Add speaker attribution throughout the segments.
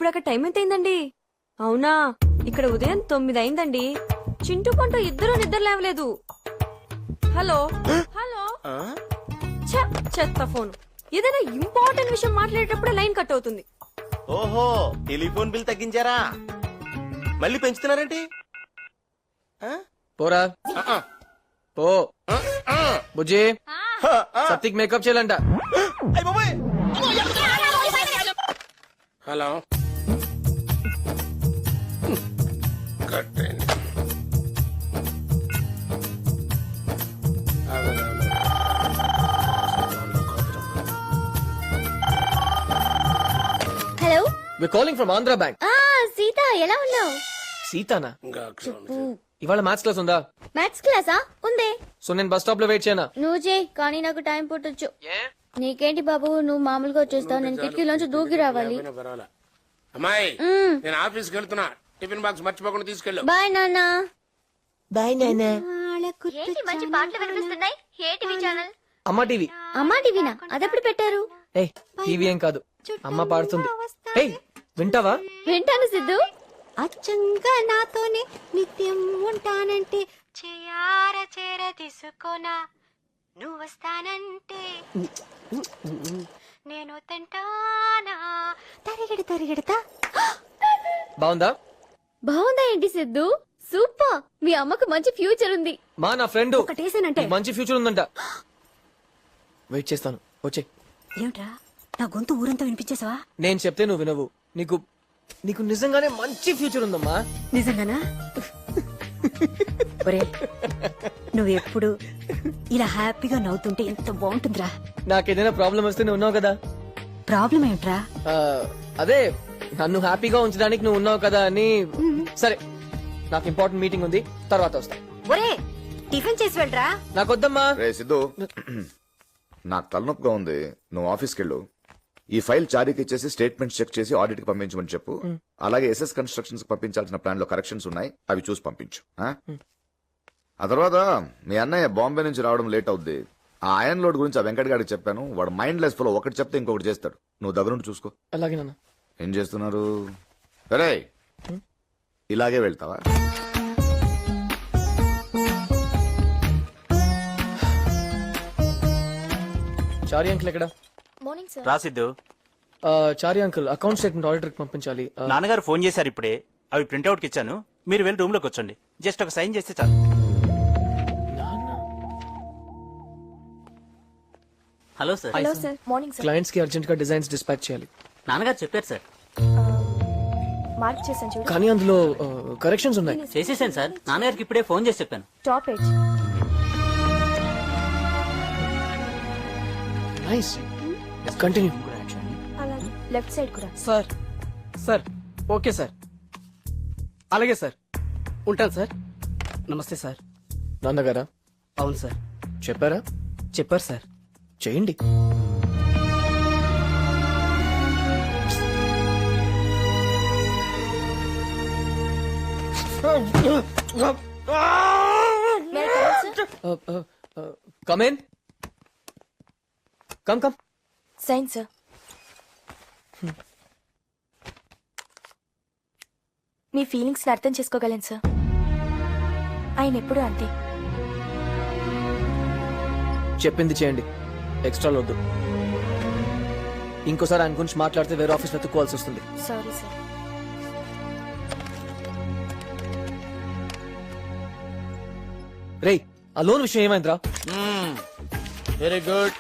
Speaker 1: ఇప్పుడు అక్కడ టైం ఎంత అయిందండి? అవునా, ఇక్కడ ఉదయం 9 అయిందండి. చింటూ పంటూ ఇద్దరు నిద్ర లేవలేదు. హలో హలో, చెత్త ఫోన్. ఏదైనా ఇంపార్టెంట్ విషయం మాట్లాడేటప్పుడే లైన్ కట్ అవుతుంది.
Speaker 2: ఓహో, టెలిఫోన్ బిల్ తగ్గించారా? మళ్ళీ పెంచుతున్నారేంటి?
Speaker 3: పోరా పో. బుజ్జి సత్తిక్ మేకప్ చేయాలంట.
Speaker 4: హలో, కట్టండి.
Speaker 5: Hello,
Speaker 3: we calling from Andhra bank.
Speaker 5: Sita ఎలా ఉన్నావు?
Speaker 3: సీతానా?
Speaker 4: ఇంకా అక్కడ ఉంది.
Speaker 3: ఇవాళ మ్యాథ్స్ క్లాస్ ఉందా?
Speaker 5: మ్యాథ్స్ క్లాసా? ఉందే.
Speaker 3: సో నేను బస్ స్టాప్ లో వెయిట్ చేయనా?
Speaker 5: నువ్వు చేయి, కానీ నాకు టైం పుట్టొచ్చు. నీకేంటి బాబు, నువ్వు మామూలుగా వచ్చేస్తావు, నేను కిటికీలోంచి దూకి రావాలి.
Speaker 4: పోయినా పర్వాలా. అమ్మాయి, నేను ఆఫీస్కి వెళ్తున్నా. టిఫిన్ బాక్స్ మర్చిపోకుండా తీసుకెళ్ళు.
Speaker 5: బాయ్ నాన్న.
Speaker 3: బాయ్ నాన్న.
Speaker 5: మంచి పాటలు వినిపిస్తున్నాయి. ఏ టీవీ ఛానల్?
Speaker 3: అమ్మ టీవీ.
Speaker 5: అమ్మా టీవీనా? అదెప్పుడు పెట్టారు?
Speaker 3: ఏ టీవీ ఏం కాదు, అమ్మ పాడుతుంది. ఏ వింటావా?
Speaker 5: వింటాను సిద్ధు.
Speaker 1: అచ్చంగా నాతోనే నిత్యం ఉంటానంటే చేయార చేర తీసుకోనా, నువ్వు వస్తానంటే నేను తింటానా, తరిగడి తరిగడతా.
Speaker 3: బాగుందా?
Speaker 5: బాగుందా ఏంటి సిద్ధు? సూపర్. మీ అమ్మకు మంచి ఫ్యూచర్ ఉంది.
Speaker 3: మా నా ఫ్రెండ్
Speaker 1: ఒకటేసానంటే
Speaker 3: మంచి ఫ్యూచర్ ఉందంట. వెయిట్ చేస్తాను, వచ్చే.
Speaker 1: ఏమిట్రా, నా గొంతు ఊరంతా వినిపించేసావా?
Speaker 3: నేను చెప్తే నువ్వు వినవు. నీకు నీకు నిజంగానే మంచి ఫ్యూచర్ ఉందమ్మా.
Speaker 1: నిజంగానా? ఒరే, నువ్వు ఎప్పుడు ఇలా హ్యాపీగా నవ్వుతుంటే ఎంత బాగుంటుందిరా.
Speaker 3: నాకేదైనా ప్రాబ్లం వస్తే నువ్వు ఉన్నావు కదా.
Speaker 1: ప్రాబ్లం ఏమిట్రా?
Speaker 3: ఆ, అదే నన్ను హ్యాపీగా ఉంచడానికి నువ్వు ఉన్నావు కదా అని. సరే, నాకు ఇంపార్టెంట్ మీటింగ్ ఉంది, తర్వాత వస్తా.
Speaker 1: ఒరే, టిఫిన్ చేసి వెళ్ళరా.
Speaker 3: నాకొద్దమ్మా.
Speaker 6: రే సిద్ధు, నాకు తలనొప్పిగా ఉంది, నువ్వు ఆఫీస్కి వెళ్ళు. ఈ ఫైల్ చారీకి ఇచ్చేసి స్టేట్మెంట్స్ చెక్ చేసి ఆడిట్ కి పంపించమని చెప్పు. అలాగే ఎస్ఎస్ కన్స్ట్రక్షన్స్ పంపించాల్సిన ప్లాన్ లో కరెక్షన్స్ ఉన్నాయి, అవి చూసి పంపించు. ఆ తర్వాత మీ అన్నయ్య బాంబే నుంచి రావడం లేట్ అవుద్ది. ఆ ఐరన్ లోడ్ గురించి ఆ వెంకట్ గారికి చెప్పాను. వాడు మైండ్ లెస్ ఫుల్, ఒకటి చెప్తే ఇంకొకటి చేస్తాడు. నువ్వు దగ్గరుండి చూసుకో.
Speaker 3: అలాగే నాన్న.
Speaker 6: ఏం చేస్తున్నారు? సరే, ఇలాగే వెళ్తావా?
Speaker 3: చారి అంకుల్ ఎక్కడ?
Speaker 5: Morning sir.
Speaker 7: రాసిద్దు.
Speaker 3: Chari uncle account statement auditor కి పంపించాలి.
Speaker 7: నాన్నగారు ఫోన్ చేశారు ఇప్పుడే. అవి ప్రింట్అవుట్ కి ఇచ్చాను. మీరు వెళ్ళి రూమ్ లోకి వచ్చండి. జస్ట్ ఒక సైన్ చేస్తే చాలు. Hello sir.
Speaker 5: Hello sir. Morning sir.
Speaker 3: Clients కి అర్జెంట్ గా డిజైన్స్ డిస్పాచ్ చేయాలి.
Speaker 7: నాన్నగారు చెప్పారు సార్.
Speaker 5: మార్క్ చేశాను చూడు.
Speaker 3: కానీ అందులో కరెక్షన్స్ ఉన్నాయి.
Speaker 7: చేసేసాను సార్. నాన్నగారికి ఇప్పుడే ఫోన్ చేసి చెప్పాను.
Speaker 5: Top edge.
Speaker 3: Nice, continue.
Speaker 5: అలాగే లెఫ్ట్ సైడ్ కూడా.
Speaker 8: సార్ సార్ ఓకే సార్, అలాగే సార్, ఉంటాను సార్. నమస్తే సార్.
Speaker 3: నాన్నగారా?
Speaker 8: అవును సార్.
Speaker 3: చెప్పారా?
Speaker 8: చెప్పారు సార్.
Speaker 3: చేయండి. Come in. Come come.
Speaker 5: Sign sir. మీ ఫీలింగ్స్ అర్థం చేసుకోగలను సార్. ఆయన ఎప్పుడూ అంతే.
Speaker 3: చెప్పింది చేయండి, ఎక్స్ట్రా వద్దు. ఇంకోసారి ఆయన గురించి మాట్లాడితే వేరే ఆఫీస్ వెతుక్కోవాల్సి వస్తుంది.
Speaker 5: Sorry sir.
Speaker 3: రేయ్, ఆ లోన్ విషయం ఏమైందిరా?
Speaker 2: Very good,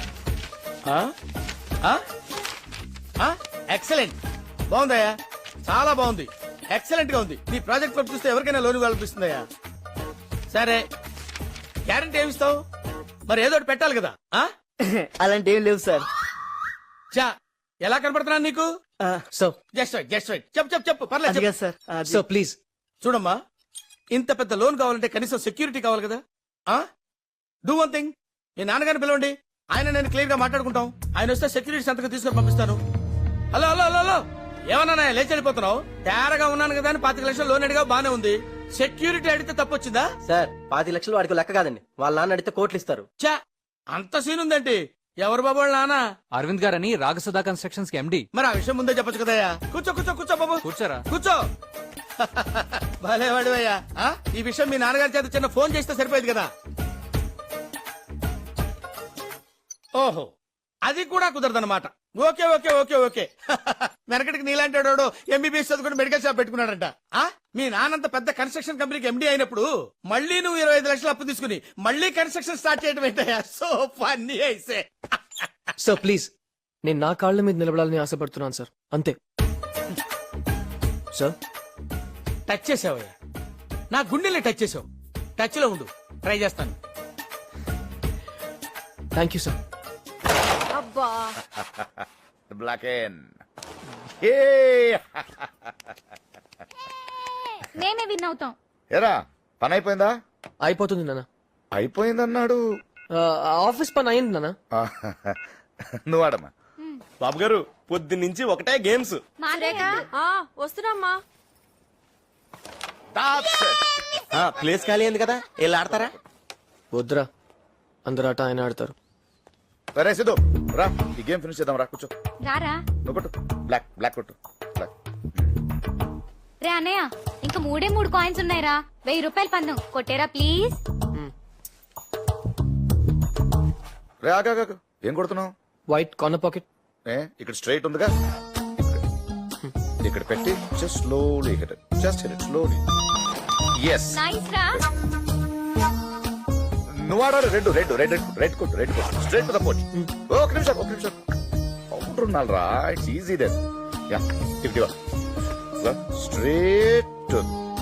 Speaker 2: excellent. బాగుందయ్యా, చాలా బాగుంది, ఎక్సలెంట్ గా ఉంది. నీ ప్రాజెక్ట్ వర్క్ చూస్తే ఎవరికైనా లోన్ కల్పిస్తుందయ్యా. సరే, గ్యారంటీ ఏమిస్తావు? మరి ఏదో ఒకటి పెట్టాలి కదా.
Speaker 8: అలాంటి ఏం లేవు సార్.
Speaker 2: చా, ఎలా కనపడుతున్నాను నీకు?
Speaker 3: Sir,
Speaker 2: just right, just right. చెప్పు చెప్పు చెప్పు, పర్లేదు చెప్పు.
Speaker 8: సార్.
Speaker 3: Sir please.
Speaker 2: చూడమ్మా, ఇంత పెద్ద లోన్ కావాలంటే కనీసం సెక్యూరిటీ కావాలి కదా. డూ వన్ థింగ్, మీ నాన్నగారిని పిలవండి, ఆయన నేను క్లియర్ గా మాట్లాడుకుంటాం. ఆయన వస్తే సెక్యూరిటీ సంతకం తీసుకొని పంపిస్తాను. హలో హలో హలో హలో, ఏమన్నా లేచి వెళ్ళిపోతున్నావు? తేరగా ఉన్నాను కదా అని 25 లక్షలు లోన్ అడిగా, బానే ఉంది. సెక్యూరిటీ అడిగితే తప్పొచ్చిందా?
Speaker 8: సార్ 25 లక్షలు వాడికి లెక్క కాదండి, వాళ్ళ నాన్న అడిగితే కోట్లు ఇస్తారు.
Speaker 2: చా, అంత సీన్ ఉందేంటి? ఎవరు బాబు వాళ్ళ నాన్న?
Speaker 9: అరవింద్ గారని రాగసుధా కన్స్ట్రక్షన్స్ కి ఎండి.
Speaker 2: మరి ఆ విషయం ముందే చెప్పొచ్చు కదయ్యా. కూర్చో కూర్చో కూర్చో బాబు,
Speaker 9: కూర్చోరా.
Speaker 2: కూర్చో. భలే వాడివయ్యా. ఈ విషయం మీ నాన్నగారి చేత చిన్న ఫోన్ చేస్తే సరిపోయేది కదా. ఓహో, అది కూడా కుదరదన్నమాట. Okay okay okay okay. వెనకటికి నీలాంటి వాడు ఎంబీబీఎస్ చదువుకుని మెడికల్ షాప్ పెట్టుకున్నాడంట. మీ నాన్నంత పెద్ద కన్స్ట్రక్షన్ కంపెనీకి ఎండీ అయినప్పుడు మళ్ళీ నువ్వు 25 లక్షలు అప్పు తీసుకుని మళ్ళీ కన్స్ట్రక్షన్ స్టార్ట్ చేయడం ఏంటయ్యా? సో ఫన్నీ అయితే.
Speaker 3: సార్ ప్లీజ్, నేను నా కాళ్ళ మీద నిలబడాలని ఆశపడుతున్నాను సార్, అంతే. సార్
Speaker 2: టచ్ చేసావయ్యా, నా గుండెల్ని టచ్ చేసావు. టచ్ లో ఉండు, ట్రై చేస్తాను.
Speaker 3: Thank you sir.
Speaker 1: అబ్బా
Speaker 6: బ్లాక్ ఎన్
Speaker 5: నేనే విన్ అవుతాం.
Speaker 6: ఏరా పని అయిపోయిందా?
Speaker 3: అయిపోతుంది నాన్న.
Speaker 6: అయిపోయిందన్నాడు.
Speaker 3: ఆఫీస్ పని అయింది నాన్న.
Speaker 6: నువ్వు ఆడమ్మా.
Speaker 10: బాబు గారు పొద్దున్నుంచి ఒకటే గేమ్స్.
Speaker 1: వస్తున్నామ్మా.
Speaker 10: ప్లేస్ ఖాళీ అయింది కదా, వెళ్ళి ఆడతారా?
Speaker 3: వద్దురా, అందరు ఆట ఆయన ఆడతారు.
Speaker 6: సరే సిద్ధు రా, ఈ గేమ్ ఫినిష్ చేద్దాం. రా కూర్చో.
Speaker 5: రారా
Speaker 6: నువ్వు కొట్టు. బ్లాక్ బ్లాక్ కొట్టు. బ్లాక్.
Speaker 5: రే అన్నయ్య, ఇంకా 3 కాయిన్స్ ఉన్నాయిరా. 1000 రూపాయలు పందం కొట్టేరా ప్లీజ్.
Speaker 6: రే ఆగా ఏం కొడుతున్నావు?
Speaker 3: White corner pocket.
Speaker 6: ఇక్కడ స్ట్రైట్ ఉందిగా, ఇక్కడ పెట్టి just slowly hit it. Just hit it slowly. yes
Speaker 5: nice రా.
Speaker 6: నువ్వు ఆడాలి. రెడ్ రెడ్ రెడ్ రెడ్ కొట్టు. రెడ్ కొట్టు స్ట్రైట్ టు ద పోచ్. ఒక నిమిషం కౌంటర్ ఉండాలి రా. It's easy then. Yeah if straight to.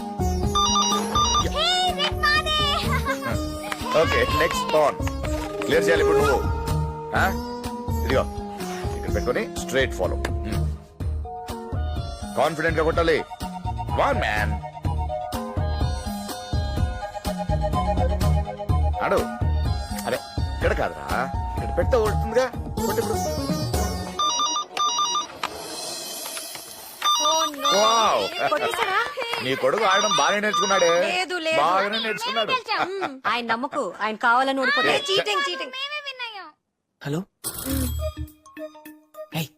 Speaker 6: Okay next pawn clear చేయాలి ఇప్పుడు నువ్వు. ఇదిగో ఇక్కడ పెట్టుకొని స్ట్రైట్ ఫాలో. కాన్ఫిడెంట్ గా కొట్టాలి. వన్ మ్యాన్ ఆడు. అరే ఇక్కడ కాదురా, ఇక్కడ పెడితే కొడుతుందిగా. కొట్టు ఇప్పుడు. వావ్. నీ కొడుకు ఆడడం బాగానే నేర్చుకున్నాడే.
Speaker 1: లేదు, లేదు.
Speaker 6: బాగానే నేర్చుకున్నాడు.
Speaker 1: ఆయన నమ్మకు, ఆయన కావాలని ఓడిపోతే చీటింగ్ చీటింగ్.
Speaker 3: హలో. ఏయ్,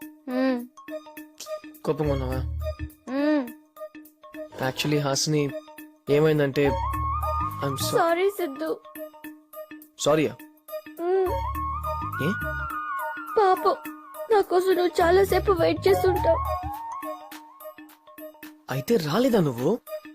Speaker 3: కోపంగా ఉన్నావా? యాక్చువల్లీ హాసిని ఏమైందంటే ఐఎమ్
Speaker 5: సారీ సిద్ధు.
Speaker 3: సారీయా? ఏ?
Speaker 5: పాపం నా కోసం నువ్వు చాలా సేపు వెయిట్ చేస్తుంటావు.
Speaker 3: అయితే రాలేదా నువ్వు?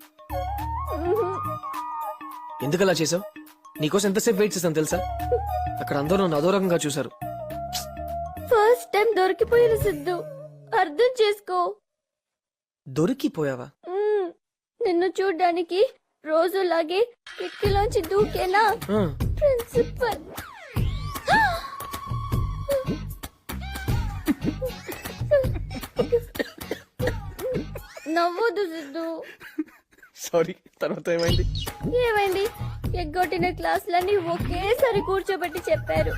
Speaker 3: ఎందుకలా చేసావు? నీకోసం ఎంతసేపు వెయిట్ చేశాను తెలుసా? అక్కడ అందరూ నన్ను అదోరకంగా చూశారు.
Speaker 5: ఫస్ట్ టైం దొరికిపోయిన సిద్ధు, అర్థం చేసుకో.
Speaker 3: దొరికిపోయావా?
Speaker 5: నిన్ను చూడ్డానికి రోజులాగే కిటికీలోంచి దూకేనా
Speaker 3: ఆ,
Speaker 5: ప్రిన్సిపల్. నవ్వొద్దు సిద్ధు.
Speaker 3: సారీ. తర్వాత ఏమైంది?
Speaker 5: ఏమైంది? ఎగ్గొట్టిన క్లాసులన్నీ ఒకేసారి కూర్చోబెట్టి చెప్పారు.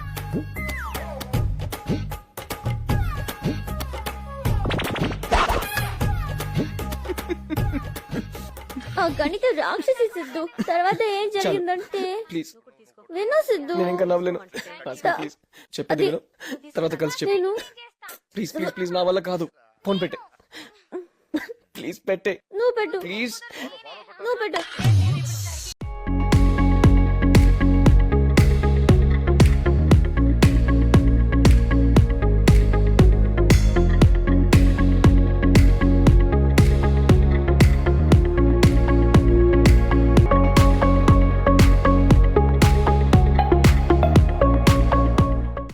Speaker 5: ఆ గణిత రాక్షసి సిద్ధు. తర్వాత ఏం జరిగిందంటే
Speaker 3: ప్లీజ్,
Speaker 5: విను సిద్ధు.
Speaker 3: నేను ఇంకా నవ్వలేను. ప్లీజ్ చెప్పేది విను. తర్వాత కలిసి చెప్పు.
Speaker 5: నేను
Speaker 3: ప్లీజ్ ప్లీజ్ ప్లీజ్, నా వల్ల కాదు. ఫోన్ పెట్టే. ప్లీజ్ పెట్టే.
Speaker 5: నువ్వు పెట్టు,
Speaker 3: ప్లీజ్.
Speaker 5: నువ్వు పెట్టు.